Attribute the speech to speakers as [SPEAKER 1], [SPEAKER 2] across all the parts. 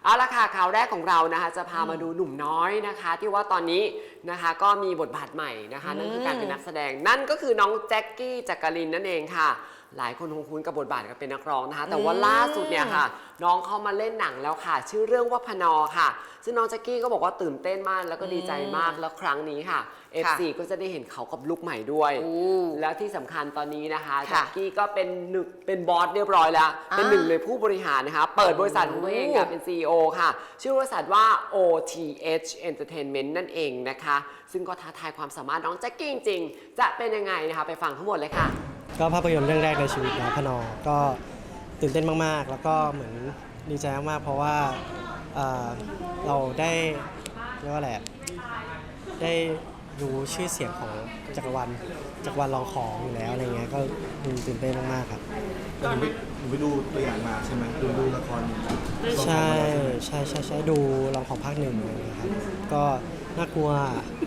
[SPEAKER 1] เอาละค่ะข่าวแรกของเรานะคะจะพามาดูหนุ่มน้อยนะคะที่ว่าตอนนี้นะคะก็มีบทบาทใหม่นะคะนั่นคือการเป็นนักแสดงนั่นก็คือน้องแจ็คกี้จักรินนั่นเองค่ะหลายคนคงคุ้นกับบทบาทการเป็นนักร้องนะคะแต่ว่าล่าสุดเนี่ยค่ะน้องเขามาเล่นหนังแล้วค่ะชื่อเรื่องว่าพนอค่ะซึ่งน้องแจ็คกี้ก็บอกว่าตื่นเต้นมากแล้วก็ดีใจมากแล้วครั้งนี้ค่ะ FC ก็จะได้เห็นเขากับลุคใหม่ด้วยแล้วที่สำคัญตอนนี้นะคะแจ็คกี้ก็เป็นบอสเรียบร้อยแล้วเป็นหนึ่งในผู้บริหารนะคะเปิดบริษัทของตัวเองค่ะเป็น CEO ค่ะชื่อบริษัทว่า OTH Entertainment นั่นเองนะคะซึ่งก็ท้าทายความสามารถน้องแจ็คกี้จริงๆจะเป็นยังไงนะคะไปฟังทั้งหมดเลยค่ะ
[SPEAKER 2] ก็ภาพยนตร์เรื่องแรกในชีวิตนะพนอก็ตื่นเต้นมากๆแล้วก็เหมือนดีใจมากๆเพราะว่าเราได้เรียกว่าอะไรได้รู้ชื่อเสียงของจักรวาลรองของอยู่แล้วอะไรเงี้ยก็ตื่นเต้นมากๆครับ
[SPEAKER 3] หนูไปดูตัวอย่างมาใช่ไหมดูละคร
[SPEAKER 2] ใช่ดูรองของภาคหนึ่งอะไรเงี้ยครับก็น่ากลัว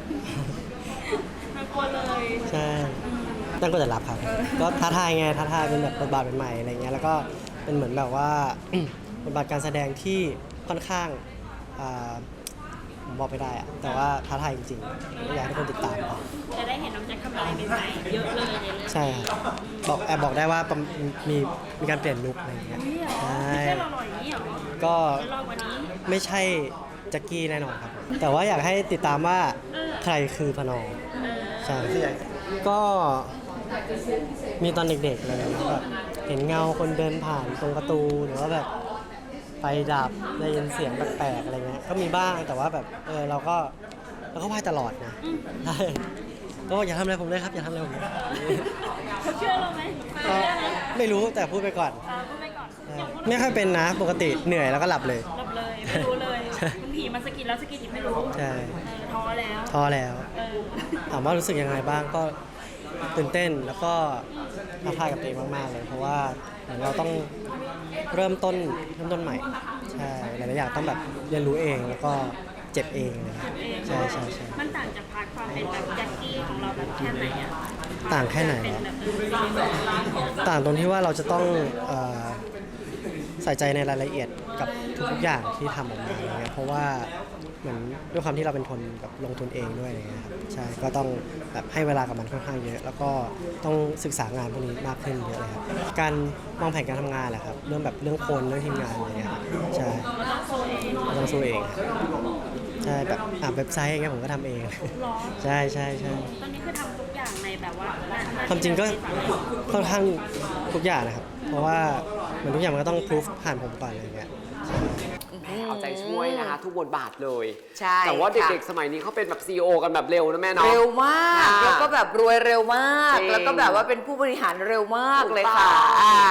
[SPEAKER 4] เลย
[SPEAKER 2] ใช่ตั้งก็จะรับครับก็ท้าทายเป็นแบบบทบาทใหม่ๆอะไรเงี้ยแล้วก็เป็นเหมือนแบบว่า บทบาทการแสดงที่ค่อนข้างผมบอกไม่ได้อะแต่ว่าท้าทายจริงๆอยากให้ทุกคนติดตามครับ
[SPEAKER 4] จะได้เห็นน้องแจ็คทำอะไรใหม่ๆเยอะเลยในเรื่อง
[SPEAKER 2] ใช่ครับบอกได้ว่ามีการเปลี่ยนลุคอะไรเงี้ยใช่
[SPEAKER 4] ไม่ใช่หล่อๆอย่างนี้หรอ
[SPEAKER 2] ก็
[SPEAKER 4] หล่อกว่านี้
[SPEAKER 2] ไม่ใช่แจ็คกี้แน่นอนครับแต่ว่าอยากให้ติดตามว่าใครคือพนอใช่ก็มีตอนเด็กๆเลยแบบเห็นเงาคนเดินผ่านตรงประตูหรือว่าแบบไฟดับได้ยินเสียงแปลกๆอะไรเงี้ยก็มีบ้างแต่ว่าแบบเราก็ไหว้ตลอดนะใช่ก็อย่าทำอะไรผมเลยครับอย่าทำอะไรผมเลย
[SPEAKER 4] เขาเชื่อเราไหม
[SPEAKER 2] ไม่รู้แต่พูดไปก่อน
[SPEAKER 4] พูดไปก่อน
[SPEAKER 2] ไม่ค่อยเป็นนะปกติเหนื่อยแล้วก็หลับเลย
[SPEAKER 4] ไม่รู้เลยบางทีมันสกิดแล้วสกิดอีกไม่รู้
[SPEAKER 2] ใช่
[SPEAKER 4] ท้อแล้ว
[SPEAKER 2] ถามว่ารู้สึกยังไงบ้างก็ตื่นเต้นแล้วก็ท้าทายกับตัวเองมากๆเลยเพราะว่าเหมือนเราต้องเริ่มต้นใหม่ใช่หลายๆอย่างต้องแบบเรียนรู้เองแล้วก็เจ็บเองเลยใช่
[SPEAKER 4] มันต่างจากพาร์ทความเป็นแบบแจ็คกี้ของเราแบบแค่ไหนอะ
[SPEAKER 2] ต่างแค่ไหนต่างตรงที่ว่าเราจะต้องใส่ใจในรายละเอียดกับทุกอย่างที่ทำออกมาอะไรเงี้ยเพราะว่าเหมือนด้วยความที่เราเป็นคนแบบลงทุนเองด้วยอะไรเงี้ยครับใช่ก็ต้องแบบให้เวลากับมันค่อนข้างเยอะแล้วก็ต้องศึกษางานพวกนี้มากขึ้นเยอะเลยครับการวางแผนการทำงานแหละครับเรื่องคนเรื่องทีมงานอะไรเงี้ยใช่ต้องสู้เองใช่แบบเว็บไซต์อย่างเงี้ยผมก็ทำเองใช่
[SPEAKER 4] ตอนนี้คือทำทุกอย่างในแบบว่า
[SPEAKER 2] ความจริงก็ค่อนข้างทุกอย่างนะครับเพราะว่ามันทุกอย่างมันก็ต้องพิสูจผ่านผมก่อนอะไรเงี้ย
[SPEAKER 1] เอาใจช่วยนะคะทุกบทบาทเลย
[SPEAKER 5] ใช่
[SPEAKER 1] แต่ว่าเด็กๆสมัยนี้เขาเป็นแบบ CEO กันแบบเร็วนะแม่เนาะ
[SPEAKER 5] เร็วมากแล้วก็แบบรวยเร็วมากแล้วก็แบบว่าเป็นผู้บริหารเร็วมากเลยค่ะ